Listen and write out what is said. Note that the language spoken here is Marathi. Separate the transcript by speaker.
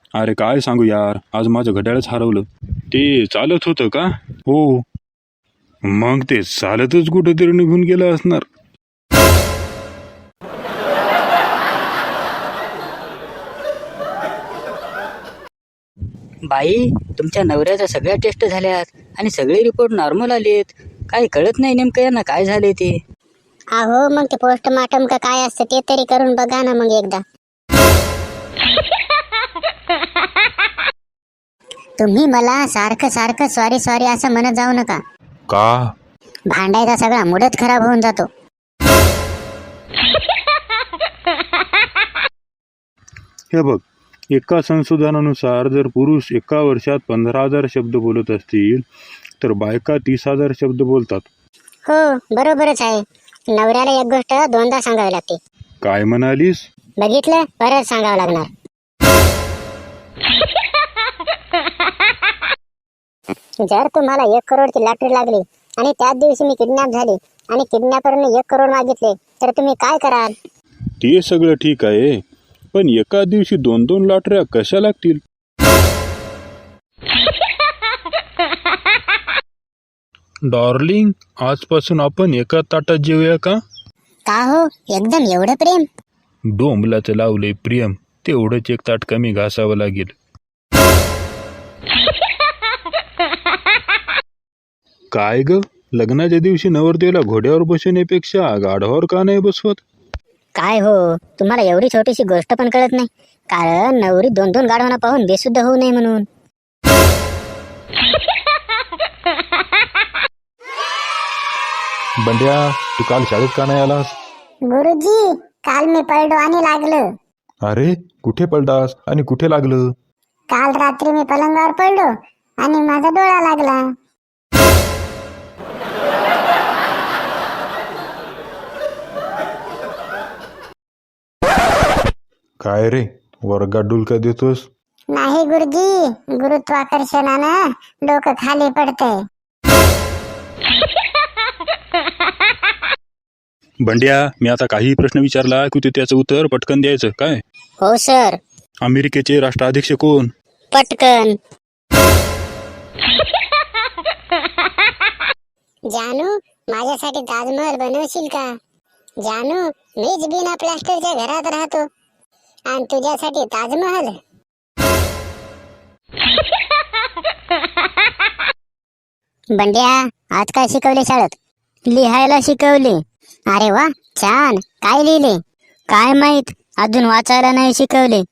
Speaker 1: अरे काय सांगू यार, आज माझं घड्याळच हरवलं. ते चालत होतं का? हो. मग ते चालतच कुठेतरी निघून गेलं असणार.
Speaker 2: बाई, तुमच्या नवऱ्याच्या सगळ्या टेस्ट झाल्यात आणि सगळे रिपोर्ट नॉर्मल आलेत. काही कळत नाही नेमकं यांना काय झाले ते.
Speaker 3: अहो मग ते पोस्टमार्टम का काय असतं ते तरी करून बघा ना मग एकदा. तुम्ही मला सारखं सारखं सॉरी सॉरी असं म्हणत जाऊ नका.
Speaker 1: का?
Speaker 3: भांडायचा सगळा मूडच खराब होऊन जातो.
Speaker 1: हे बघ, एका संशोधनानुसार जर पुरुष एका वर्षात 15,000 शब्द बोलत असतील तर बायका 30,000 शब्द बोलतात.
Speaker 3: हो बरोबरच आहे. नवऱ्याला एक गोष्ट दोनदा सांगावी लागते.
Speaker 1: काय म्हणालीस?
Speaker 3: बघितलं, परत सांगावं लागणार. जर तुम्हाला 1 करोडची लॉटरी लागली आणि त्याच दिवशी मी किडनॅप झाली आणि किडनॅपरने 1 करोड मागितले तर तुम्ही काय कराल?
Speaker 1: ते सगळं ठीक आहे, पण एका दिवशी 2-2 लॉटऱ्या कशा लागतील? डार्लिंग, आजपासून आपण एका ताटात जेवूया का?
Speaker 3: का हो, एकदम एवढं प्रेम?
Speaker 1: डोंबलाचं लावलंय प्रेम, तेवढंच एक ताट कमी घासावं लागेल. काय ग, लग्नाच्या दिवशी नवरदेवाला घोड्यावर बसवण्यापेक्षा गाढवावर का नाही बसवत?
Speaker 3: काय हो, तुम्हाला एवढी छोटीशी गोष्ट पण कळत नाही? कारण नवरी 2-2 गाढवांना पाहून बेशुद्ध होऊ नये म्हणून.
Speaker 1: बंड्या, तू काल शाळेत का नाही आलास?
Speaker 3: गुरुजी, काल मी पडलो आणि लागलं.
Speaker 1: अरे, कुठे पडलास आणि कुठे लागलं?
Speaker 3: काल रात्री मी पलंगावर पडलो आणि माझा डोळा लागला.
Speaker 1: काय रे, वर्गात डुलका देतोस?
Speaker 3: नाही गुरुजी, गुरुत्वाकर्षणानं डोकं खाली पडतंय.
Speaker 1: बंड्या, मी आता काही प्रश्न विचारला की तू त्याचं उत्तर पटकन द्यायचं काय?
Speaker 3: हो सर.
Speaker 1: अमेरिकेचे राष्ट्राध्यक्ष कोण?
Speaker 3: पटकन. जानू, माझ्यासाठी ताजमहल बनवशील का? जानू, मीच बिना प्लास्टरच्या घरात राहतो आणि तुझ्यासाठी ताजमहल. बंड्या, आज काय शिकवले शाळेत? लिहायला शिकवले. अरे वा, छान. काय लिहिले? काय माहित, अजून वाचायला नाही शिकवले.